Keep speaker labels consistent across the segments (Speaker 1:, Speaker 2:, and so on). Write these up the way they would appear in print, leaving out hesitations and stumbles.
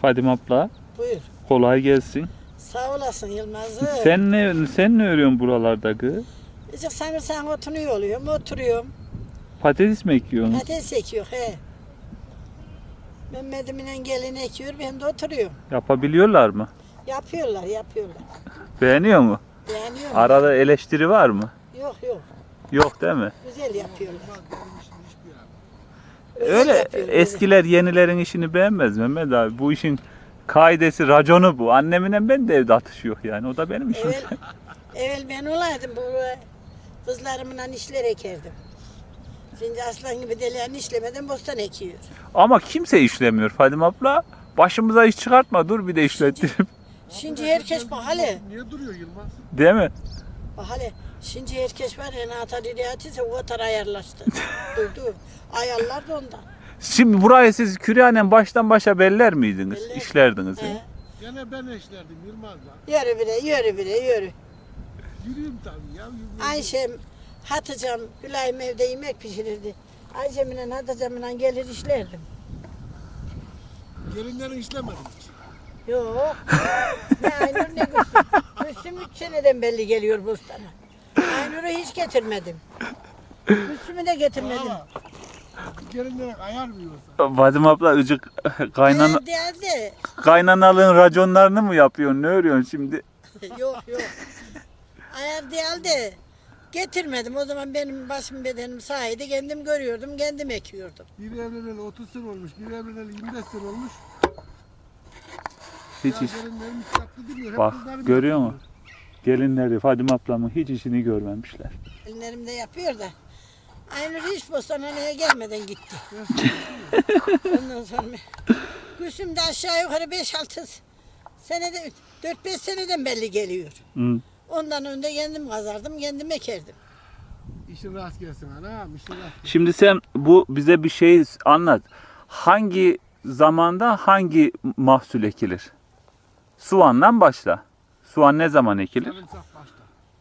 Speaker 1: Fadime abla.
Speaker 2: Buyur.
Speaker 1: Kolay gelsin.
Speaker 2: Sağ olasın Yılmaz'ım.
Speaker 1: Sen ne örüyorsun buralarda kız?
Speaker 2: İşte sanırsan oturuyorum,
Speaker 1: Patates mi ekiyorsun?
Speaker 2: Patates ekiyor he. Mehmet'iminle gelin ekiyor, ben de oturuyorum.
Speaker 1: Yapabiliyorlar mı?
Speaker 2: Yapıyorlar.
Speaker 1: Beğeniyor mu?
Speaker 2: Beğeniyorum.
Speaker 1: Arada eleştiri var mı?
Speaker 2: Yok.
Speaker 1: Yok değil mi?
Speaker 2: Güzel yapıyorlar.
Speaker 1: Öyle
Speaker 2: yapıyorlar,
Speaker 1: eskiler yenilerin işini beğenmez Mehmet abi. Bu işin kaidesi, raconu bu. Annemle ben de evde atış yok yani. O da benim işim.
Speaker 2: Evvel ben olaydım, bu kızlarımla işler ekerdim. Şimdi aslan gibi deliğini işlemeden bostan ekiyor.
Speaker 1: Ama kimse işlemiyor Fadime abla. Başımıza iş çıkartma, dur bir de işlettirip.
Speaker 2: Şimdi herkes bak hele.
Speaker 3: Niye duruyor Yılmaz?
Speaker 1: Değil mi?
Speaker 2: Bak hele. Şimdi herkes var ya, Natal İriyatıysa o kadar ayarlaştı. Dur. Ayarlar da ondan.
Speaker 1: Şimdi burayı siz Küryanen baştan başa beller miydiniz?
Speaker 2: Beller.
Speaker 1: İşlerdiniz.
Speaker 2: He.
Speaker 3: Gene ben eşlerdim Yılmaz'la.
Speaker 2: Yürü.
Speaker 3: Yürüyeyim tabii ya.
Speaker 2: Ayşem, Hatice'm, Gülay'ım evde yemek pişirirdi. Ayşem'le Hatice'mle gelir işlerdim.
Speaker 3: Gelinlerin işlemedim hiç.
Speaker 2: Yok. Ne Aynur ne Gülsüm. Gülsüm 3 seneden belli geliyor bostana. Aynur'u hiç getirmedim. Gülsüm'ü de getirmedim.
Speaker 3: Ama gelinlere ayar mı yoksa?
Speaker 1: Fadime abla ıcık
Speaker 2: Geldi.
Speaker 1: kaynanalığın raconlarını mı yapıyorsun? Ne örüyorsun şimdi?
Speaker 2: Yok. Ayar değildi. Getirmedim. O zaman benim başım bedenim sahaydı. Kendim görüyordum, kendim ekiyordum.
Speaker 3: Bir evleneli 30 sene olmuş, bir evleneli 25 sene olmuş.
Speaker 1: Hiç
Speaker 3: Ya
Speaker 1: iş.
Speaker 3: gelinlerim hiç tatlı demiyor. Hep
Speaker 1: Bak
Speaker 3: kızlarım
Speaker 1: görüyor
Speaker 3: yapıyor.
Speaker 1: musun? Gelinleri Fadime ablamın hiç işini görmemişler.
Speaker 2: Ellerimde yapıyor da. Aynur hiç postaneye gelmeden gitti. Ondan sonra Gülsüm de aşağı yukarı 5-6 senede 4-5 seneden belli geliyor.
Speaker 1: Hı.
Speaker 2: Ondan önce kendim kazardım, kendim ekerdim.
Speaker 3: İşin rast gelsin anam, işin rast gelsin.
Speaker 1: Şimdi sen bize bir şey anlat. Hangi zamanda hangi mahsul ekilir? Soğandan başla. Soğan ne zaman ekilir?
Speaker 3: Sarımsak başta.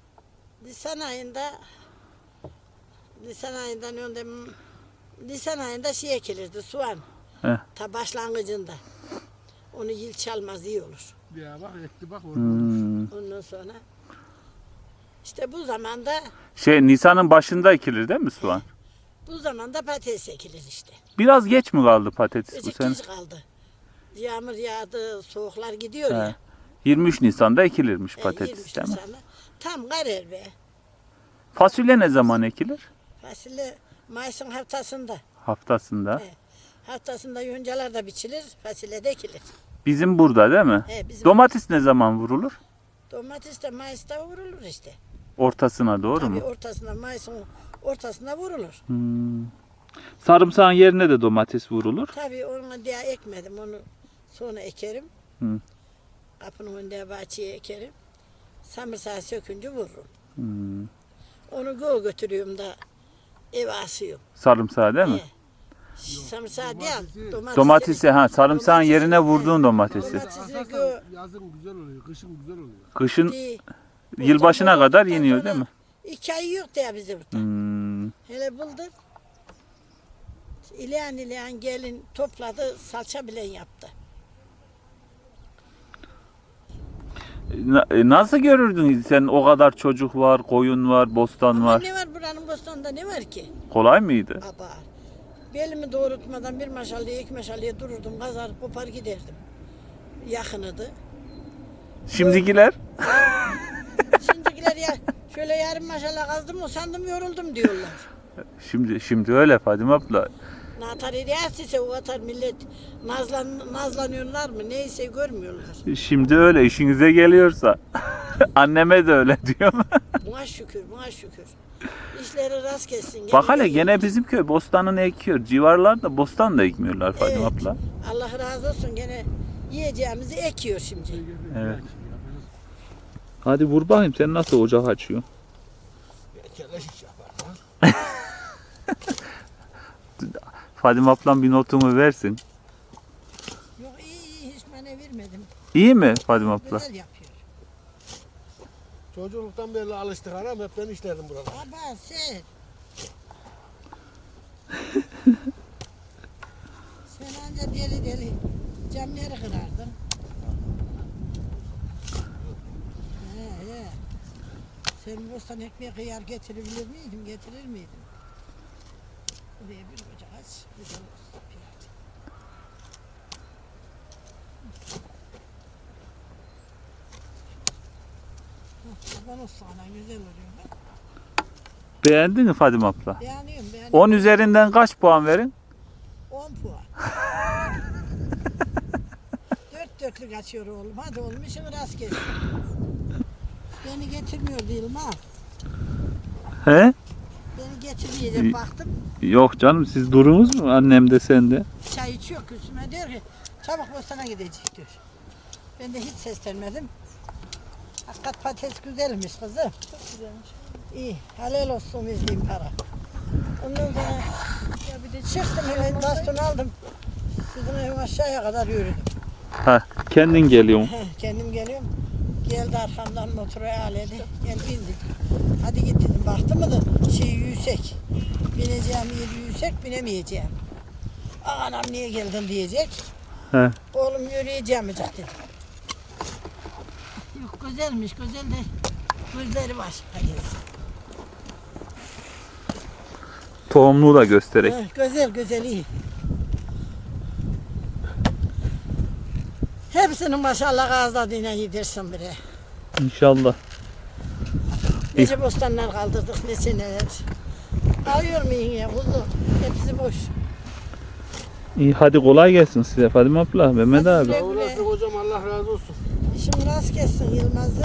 Speaker 2: Nisan ayından önce Nisan ayında şey ekilirdi, soğan.
Speaker 1: Heh.
Speaker 2: Ta başlangıcında. Onu yıl çalmaz iyi olur.
Speaker 3: Ya bak ekti bak orada olmuş.
Speaker 2: Ondan sonra işte bu zamanda
Speaker 1: Nisan'ın başında ekilir değil mi soğan?
Speaker 2: patates ekilir işte.
Speaker 1: Biraz geç mi kaldı patates bu
Speaker 2: Azıcık
Speaker 1: sene?
Speaker 2: geç kaldı. Yağmur yağdı, soğuklar gidiyor
Speaker 1: He.
Speaker 2: ya.
Speaker 1: 23 Nisan'da ekilirmiş
Speaker 2: 23
Speaker 1: patates değil mi?
Speaker 2: Nisan'da. Tam karar be.
Speaker 1: Fasulye ne zaman ekilir?
Speaker 2: Fasulye Mayıs'ın haftasında.
Speaker 1: Haftasında.
Speaker 2: He. Haftasında yoncalar da biçilir, fasulye de ekilir.
Speaker 1: Bizim burada değil mi?
Speaker 2: He, bizim
Speaker 1: Domates ne zaman vurulur?
Speaker 2: domates de Mayıs'ta vurulur işte.
Speaker 1: Ortasına doğru
Speaker 2: Tabii
Speaker 1: mu?
Speaker 2: ortasına, Mayıs'ın ortasına vurulur.
Speaker 1: Sarımsağın yerine de domates vurulur.
Speaker 2: Tabii onu diye ekmedim, onu sonra ekerim.
Speaker 1: Hı.
Speaker 2: Kapının önünde bahçeye ekerim. Samırsağı sökünce vururum. Onu götürüyorum da eve asıyorum.
Speaker 1: Sarımsağı değil mi?
Speaker 2: He. Samırsağı değil,
Speaker 1: Domatesi sarımsağın yerine vurduğun domatesi.
Speaker 2: Domatesi
Speaker 3: Asarsan yazın güzel oluyor, kışın güzel oluyor.
Speaker 1: Kışın
Speaker 2: Değil.
Speaker 1: yılbaşına kadar
Speaker 2: Bulduktan
Speaker 1: yeniyor
Speaker 2: sonra
Speaker 1: değil mi?
Speaker 2: 2 ay yok diye bize burada. Hele bulduk. İleyen gelin topladı, salça bilen yaptı.
Speaker 1: Nasıl görürdün sen, o kadar çocuk var, koyun var, bostan
Speaker 2: Ama
Speaker 1: var.
Speaker 2: ne var buranın bostanında, ne var ki?
Speaker 1: Kolay mıydı?
Speaker 2: Abar. Belimi doğrultmadan bir maşallıya, iki maşallıya dururdum, kazar kopar giderdim. Yakınıdı.
Speaker 1: Şimdikiler
Speaker 2: Şimdikiler ya şöyle yarım maşallah kazdım, usandım, yoruldum diyorlar.
Speaker 1: şimdi öyle Fadime abla.
Speaker 2: Natar ise o kadar millet nazlanıyorlar mı neyse görmüyorlar.
Speaker 1: Şimdi öyle işinize geliyorsa. Anneme de öyle diyor.
Speaker 2: Buna şükür. İşleri rast kessin.
Speaker 1: Bak hele gene bizim köy bostanını ekiyor. Civarlarda bostan da ekmiyorlar Fadime
Speaker 2: Evet.
Speaker 1: abla.
Speaker 2: Allah razı olsun, gene yiyeceğimizi ekiyor şimdi.
Speaker 1: Evet. Hadi vur bakayım, sen nasıl ocak açıyorsun?
Speaker 3: Keleş iş yapar.
Speaker 1: Fadime ablam bir notumu versin.
Speaker 2: Yok iyi hiç bana vermedim.
Speaker 1: İyi mi Fadime abla?
Speaker 2: Güzel yapıyor.
Speaker 3: Çocukluktan beri alıştık anam, hep ben işlerdim burada.
Speaker 2: Baba sen. Sen anca deli Camları kırardım. He. Sen bostan ekmeği kıyar getirebilir miydin? Getirir miydin? Buraya bir ocak aç. Güzel olsun. Kurban olsun ana, güzel oluyor bak.
Speaker 1: Beğendin mi Fadime abla?
Speaker 2: Beğeniyorum.
Speaker 1: 10 üzerinden kaç puan verin?
Speaker 2: 10 puan. Dörtlük açıyor oğlum. Hadi oğlum işin rast gelsin. Beni getirmiyor değilim ha.
Speaker 1: He?
Speaker 2: Beni getirmeyecek baktım.
Speaker 1: Yok canım, siz durunuz mu annem de sen de?
Speaker 2: Çay içiyor üstüme diyor ki çabuk bostana gidecek diyor. Ben de hiç seslenmedim. Hakikat patates güzelmiş kızım. Çok güzelmiş. İyi. Helal olsun verdiğim para. Ondan sonra ya bir de çıktım hemen bastonu aldım. Sizin evin aşağıya kadar yürüdüm.
Speaker 1: Ha, kendin geliyorsun.
Speaker 2: Kendim geliyorum. Geldi arkamdan motoru aledi. Gel bindik. Hadi git dedim. Baktı mı da yüksek. Bineceğim yeri yüksek, binemeyeceğim. Anam niye geldin diyecek.
Speaker 1: He.
Speaker 2: Oğlum yürüyeceğim dedim. Yok güzelmiş, güzel de gözleri var. Hadi.
Speaker 1: Tohumluğu da göstererek.
Speaker 2: Güzel iyi. Hepsinin maşallah ağızladığına yedirsin bire.
Speaker 1: İnşallah.
Speaker 2: Nece bostanlar kaldırdık, ne seneler. Alıyor muyum ya kuzu? Hepsi boş.
Speaker 1: İyi, hadi kolay gelsin size Fadime abla, Mehmet abi.
Speaker 2: Güle
Speaker 3: Sağ olasın hocam, Allah razı olsun.
Speaker 2: İşin rast kessin Yılmaz'ım.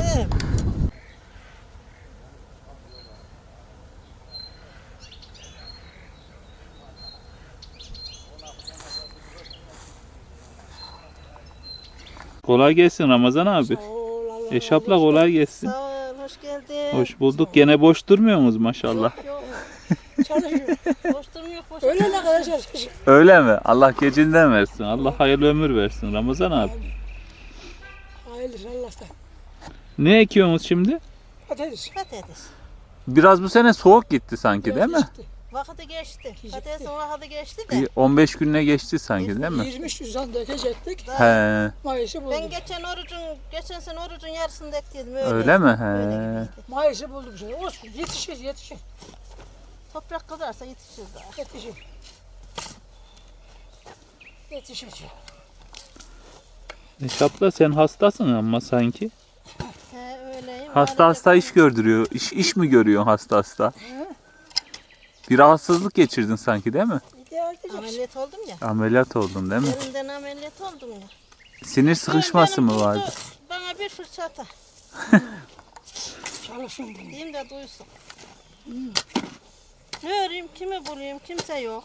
Speaker 1: Kolay gelsin Ramazan abi.
Speaker 2: Sağ ol, Allah
Speaker 1: Eş abla kolay gelsin.
Speaker 2: Sağ ol, hoş geldin.
Speaker 1: Hoş bulduk. Gene boş durmuyorsunuz maşallah.
Speaker 2: Yok, çalışıyor. Boş durmuyor, boş Öyle ne kadar çalışıyor.
Speaker 1: Öyle mi? Allah gecinden versin. Allah hayırlı ömür versin Ramazan abi.
Speaker 2: Hayırlı Allah'tan.
Speaker 1: Ne ekiyorsunuz şimdi?
Speaker 2: Patates. Patates.
Speaker 1: Biraz bu sene soğuk gitti sanki değil mi?
Speaker 2: Vakti geçti. Patatesin vakti geçti de.
Speaker 1: Bir 15 gününe geçti sanki değil mi?
Speaker 4: 23 Nisan dökecektik.
Speaker 1: He.
Speaker 4: Mayıs'ı bulduk.
Speaker 2: Ben geçen sene orucun yarısını da ektiydim
Speaker 1: Öyle mi? He.
Speaker 4: Mayıs'ı bulduk bu sene. Olsun yetişir.
Speaker 2: Toprak kazarsa yetişir daha.
Speaker 4: Yetişir.
Speaker 1: Eş abla sen hastasın ama sanki.
Speaker 2: He öyleyim.
Speaker 1: Hasta iş gördürüyor. İş mi görüyorsun hasta? Bir rahatsızlık geçirdin sanki değil mi?
Speaker 2: Ameliyat oldum ya.
Speaker 1: Ameliyat oldun değil mi?
Speaker 2: Elimden ameliyat oldum ya.
Speaker 1: Sinir sıkışması mı vardı?
Speaker 2: Bana bir fırça ata.
Speaker 4: Çalışın.
Speaker 2: Diyeyim de duysun. Ne arayayım, kimi bulayım, kimse yok.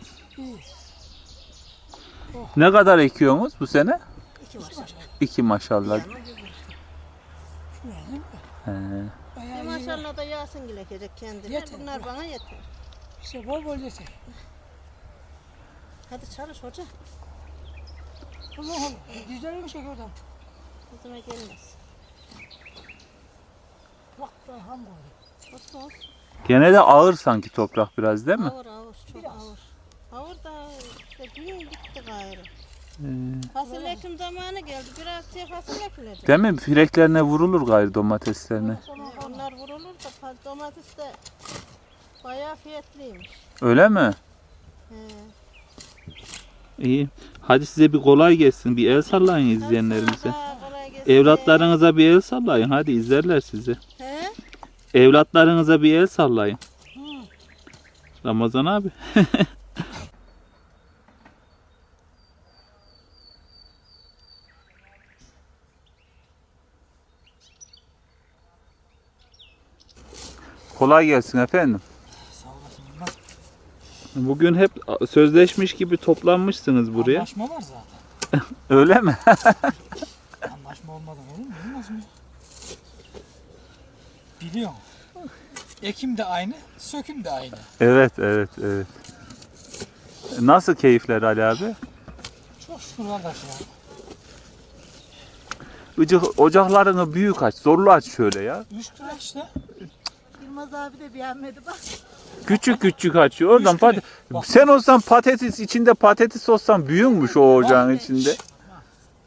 Speaker 1: Ne kadar ekiyorsunuz bu sene?
Speaker 2: 2 maşallah.
Speaker 1: 2 maşallah. He.
Speaker 2: Bir maşallah da Yasin gilekecek kendine.
Speaker 4: Yeter.
Speaker 2: Bunlar bana yeter.
Speaker 4: İşte bol yeter.
Speaker 2: Hadi çalış hoca.
Speaker 4: Allah'ım güzel bir şey oradan.
Speaker 2: Kızıma gelmez.
Speaker 4: Bak ben ham koydum.
Speaker 2: Olsun olsun.
Speaker 1: Gene de ağır sanki toprak biraz değil mi?
Speaker 2: Ağır çok ağır. Ağır da işte gün bitti gayrı. Fasulye ekim zamanı geldi. Biraz diye fasulye ekilecek.
Speaker 1: Değil mi? Fireklerine vurulur gayrı domateslerine.
Speaker 2: Onlar vurulur da domates de bayağı fiyatlıymış.
Speaker 1: Öyle mi?
Speaker 2: He.
Speaker 1: İyi. Hadi size bir kolay gelsin. Bir el sallayın izleyenlerimize.
Speaker 2: Ha, kolay gelsin.
Speaker 1: Evlatlarınıza bir el sallayın. Hadi izlerler sizi.
Speaker 2: He?
Speaker 1: Evlatlarınıza bir el sallayın. Ramazan abi. Kolay gelsin efendim. Bugün hep sözleşmiş gibi toplanmışsınız buraya.
Speaker 5: Anlaşma var zaten.
Speaker 1: Öyle mi?
Speaker 5: Anlaşma olmadan olur mu? Olmaz mı? Biliyorum. Ekim de aynı, söküm de aynı.
Speaker 1: Evet. Nasıl keyifler Ali abi?
Speaker 5: Çok şükür kardeş ya.
Speaker 1: Ocaklarını büyük aç, zorlu aç şöyle ya.
Speaker 5: 3 lira işte.
Speaker 2: Yılmaz abi de beğenmedi bak.
Speaker 1: Küçük açıyor. Oradan
Speaker 5: Üç lira.
Speaker 1: sen olsan patates içinde patates olsan büyükmüş o ocağın içinde.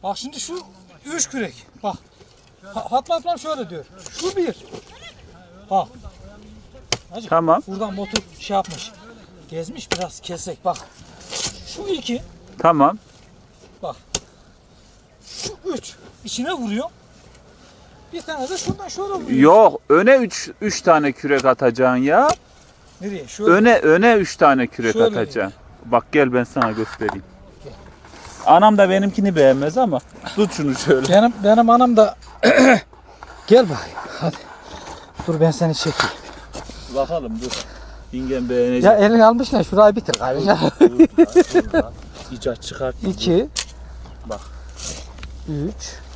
Speaker 5: Bak şimdi şu 3 kürek. Bak. Fatma ablam şöyle diyor. Şu bir. Bak. Hacı,
Speaker 1: Tamam.
Speaker 5: buradan motor şey yapmış. Gezmiş biraz kesek bak. Şu 2.
Speaker 1: Tamam.
Speaker 5: Bak. Şu 3. İçine vuruyor. Bir tane de şuradan şöyle vuruyor.
Speaker 1: Yok, öne 3 tane kürek atacaksın ya.
Speaker 5: Nereye? Şöyle.
Speaker 1: Öne 3 tane kürek
Speaker 5: Şöyle
Speaker 1: atacaksın. Bak gel ben sana göstereyim. Anam da benimkini beğenmez ama tut şunu şöyle.
Speaker 5: Benim anam da gel bakayım. Hadi. Dur ben seni çekeyim.
Speaker 1: Bakalım dur. Yengem beğenecek.
Speaker 5: Ya elini almış ne? Şurayı bitir kardeşim.
Speaker 1: İcat çıkart.
Speaker 5: 2.
Speaker 1: Bak.
Speaker 5: 3.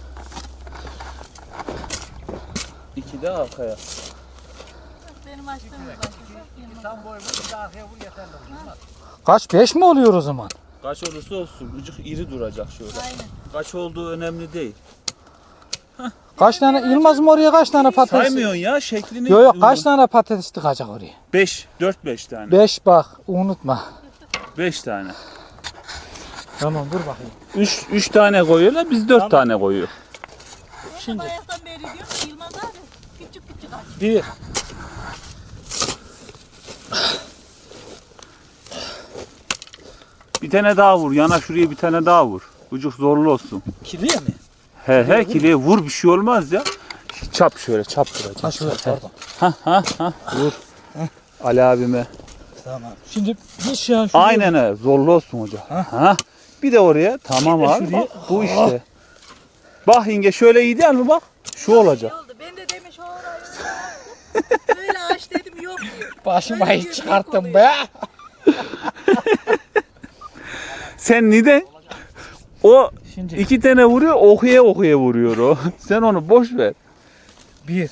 Speaker 1: 2 de arkaya.
Speaker 2: Benim açtığım
Speaker 5: Kaç? 5 mi oluyor o zaman?
Speaker 1: Kaç olursa olsun. Ucuk iri duracak şöyle. Kaç olduğu önemli değil.
Speaker 5: Kaç tane Yılmaz'ım oraya kaç tane patates?
Speaker 1: Saymıyorsun ya şeklini.
Speaker 5: Yok kaç tane patates tıkacak oraya?
Speaker 1: 4-5 tane.
Speaker 5: 5 bak unutma.
Speaker 1: 5 tane.
Speaker 5: Tamam dur bakayım.
Speaker 1: 3 tane koyuyorlar, biz 4 tane koyuyor.
Speaker 5: Şimdi
Speaker 2: Bayaktan beri diyor ki Yılmaz abi küçük küçük aç.
Speaker 5: 1.
Speaker 1: Bir tane daha vur. Yana şuraya bir tane daha vur. Ucuk zorlu olsun.
Speaker 5: Kiliye mi?
Speaker 1: He kiliye vur, bir şey olmaz ya. Çap şöyle, çap vuracak.
Speaker 5: Ha şöyle pardon.
Speaker 1: Vur. Ali abime.
Speaker 5: Tamam. Şimdi bir şey an
Speaker 1: Aynen öyle. Zorlu olsun hoca. Ha. Bir de oraya. Tamam abi. Bu işte. Bak yenge şöyle iyi değil mi bak? Şu olacak.
Speaker 2: oldu. Ben de demiş orayı. Böyle aç dedim yok diyor.
Speaker 5: başıma
Speaker 2: Öyle
Speaker 5: hiç
Speaker 2: bir
Speaker 5: çıkarttım
Speaker 2: oluyor.
Speaker 5: be.
Speaker 1: Sen neden? O
Speaker 5: Şimdi
Speaker 1: 2 tane vuruyor, okuya vuruyor o. Sen onu boş ver.
Speaker 5: 1.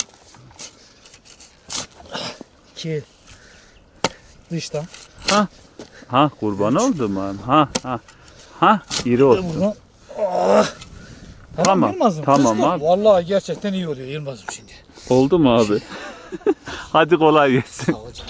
Speaker 5: 2. Dıştan.
Speaker 1: Ha kurban oldum ben. Ha iri olsun.
Speaker 5: Buradan.
Speaker 1: Tamam,
Speaker 5: Yılmaz'ım,
Speaker 1: tamam
Speaker 5: kızdım.
Speaker 1: abi.
Speaker 5: Vallahi gerçekten iyi oluyor Yılmaz'ım şimdi.
Speaker 1: Oldu mu abi? Hadi kolay gelsin.
Speaker 5: Sağ ol canım.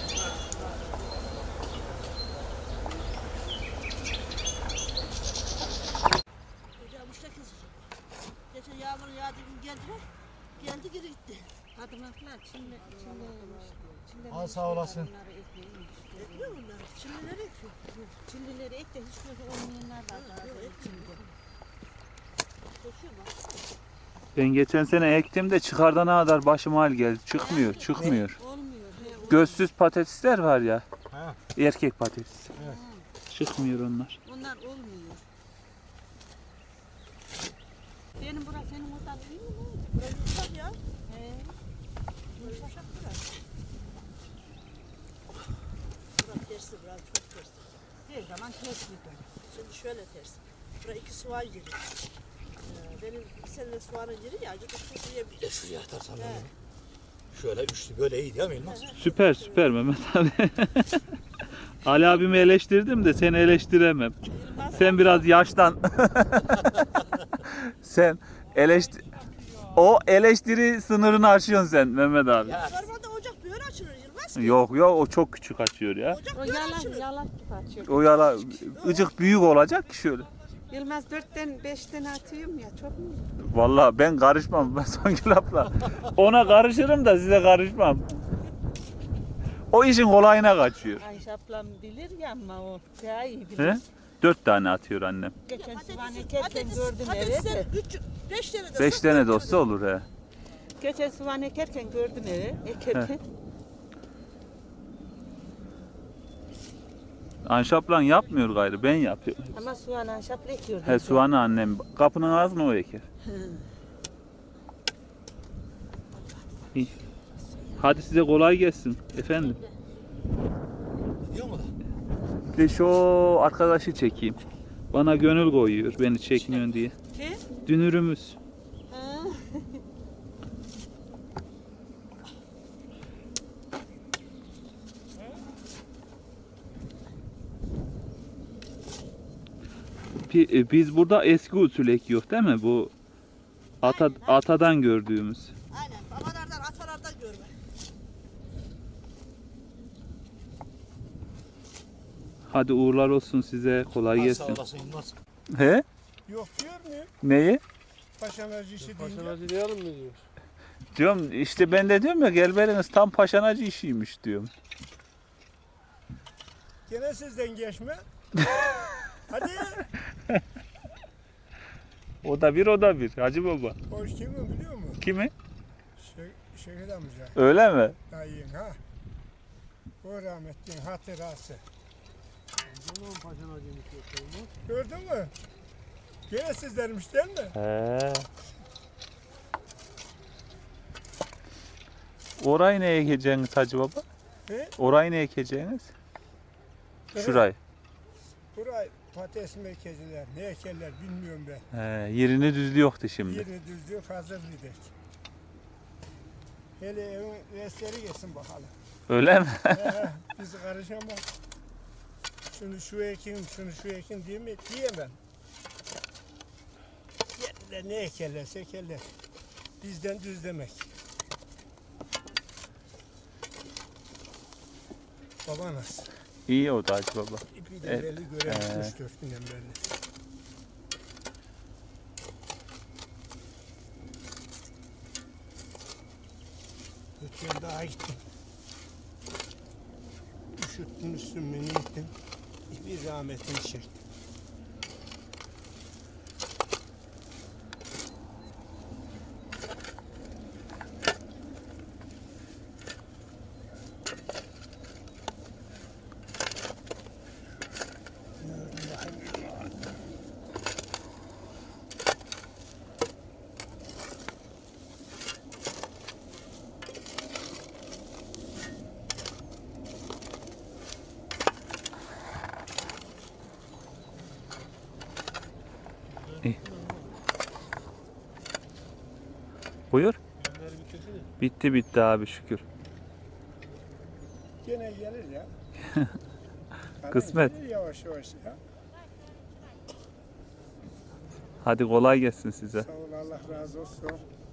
Speaker 2: Hocam işte kız. Geçen yağmur yağdı gün geldiler. Geldi geri gitti. Kadınlar Çinli
Speaker 5: Al sağ olasın.
Speaker 2: ekliyor bunları. Çinlileri ekiyor. Çinlileri ek de hiç gözü olmayanlar var. Çinli. Koşuyor mu?
Speaker 1: Ben geçen sene ektim de çıkardana kadar başıma hal geldi. Çıkmıyor.
Speaker 2: Olmuyor.
Speaker 1: Gözsüz patatesler var ya.
Speaker 5: Ha.
Speaker 1: Erkek patates.
Speaker 5: Evet.
Speaker 1: Çıkmıyor onlar.
Speaker 2: Onlar olmuyor. Benim burası senin oradan değil mi? Burası yumuşak ya. Yumuşak burası. Burası tersi, burası çok tersi. Her zaman ters gidiyor. Şimdi şöyle ters. Buraya 2 soğan giriyor. Benim bir sene soğanın giri ya, acık çok yiyebiliyor.
Speaker 5: Şuraya atarsan öyle. Şöyle üçlü böyle iyi değil mi Yılmaz?
Speaker 1: Süper Mehmet abi. Ali abimi eleştirdim de seni eleştiremem. Sen biraz yaştan. Sen o eleştiri sınırını aşıyorsun sen Mehmet abi.
Speaker 2: Normalde ocak böyle açılır Yılmaz.
Speaker 1: Yok o çok küçük açıyor ya.
Speaker 2: Ocak böyle açılır.
Speaker 6: Yalan gibi açıyor.
Speaker 1: O yala ıcık büyük olacak ki şöyle.
Speaker 6: Yılmaz 4'ten 5'ten atıyorum ya çok mu?
Speaker 1: Vallahi ben karışmam. Ben Songül abla. Ona karışırım da size karışmam. O işin kolayına kaçıyor.
Speaker 6: Ayşe ablam bilir ya ama o daha iyi bilir.
Speaker 1: He? 4 tane atıyor annem.
Speaker 6: Geçen soğan ekerken gördüm eve de.
Speaker 2: 5 tane de
Speaker 1: 5 tane de olsa olur he.
Speaker 6: Geçen soğan ekerken gördüm eve. Ekerken.
Speaker 1: Anşaplan yapmıyor gayrı, ben yapıyorum.
Speaker 6: Ama soğan anşapla ekiyor.
Speaker 1: He soğanı annem. Kapının ağzına o eker. İyi. Hadi size kolay gelsin efendim.
Speaker 5: Gidiyor mu da?
Speaker 1: Bir de şu arkadaşı çekeyim. Bana gönül koyuyor beni çekmiyorsun diye.
Speaker 6: Kim?
Speaker 1: Dünürümüz. Biz burada eski usul ekiyoruz değil mi? Bu atadan gördüğümüz.
Speaker 2: Aynen. Babalardan, atalardan görme.
Speaker 1: Hadi uğurlar olsun size. Kolay
Speaker 5: Sağ
Speaker 1: gelsin.
Speaker 5: olasın Yılmaz.
Speaker 1: He?
Speaker 3: Yok diyor mu?
Speaker 1: Neyi?
Speaker 3: Paşanacı işi deyince.
Speaker 7: Paşanacı diyelim mi diyor.
Speaker 1: Diyorum işte ben de diyorum ya Gelberiniz tam paşanacı işiymiş diyorum.
Speaker 3: Gene sizden geçme. Hadi.
Speaker 1: O da bir Hacı Baba.
Speaker 3: O kimi biliyor musun?
Speaker 1: Kimi?
Speaker 3: Şehit amca.
Speaker 1: Öyle mi?
Speaker 3: Dayın ha. O rahmetliğin hatırası.
Speaker 7: Canım paşanacıymış yoksa.
Speaker 3: Gördün mü? Gene sizlermiş değil mi?
Speaker 1: He. Orayı ne ekeceğiniz Hacı Baba?
Speaker 3: He?
Speaker 1: Orayı ne ekeceğiniz?
Speaker 3: Evet.
Speaker 1: Şurayı.
Speaker 3: Burayı patates mi ekeciler, ne ekerler bilmiyorum ben.
Speaker 1: He, yerini düzlüyordu şimdi.
Speaker 3: Yerini düzlüyor, hazır bir dek. Hele evin restleri geçsin bakalım.
Speaker 1: Öyle mi?
Speaker 3: Biz karışamaz. Şunu şu ekin, şunu şu ekin diyemem. Yerinde ne ekerlerse ekerler. Bizden düzlemek. Baba nasıl?
Speaker 1: İyi o da Hacı Baba.
Speaker 3: İpi de
Speaker 1: Evet.
Speaker 3: belli görelim 3-4 günden belli. Ötüyen daha gittim. Üşüttün üstümü gittim. Bir rahmetini çektim.
Speaker 1: Buyur. Bitti abi şükür.
Speaker 3: Gene gelir ya.
Speaker 1: Kısmet.
Speaker 3: Gelir yavaş yavaş ya.
Speaker 1: Hadi kolay gelsin size.
Speaker 3: Sağ ol, Allah razı olsun.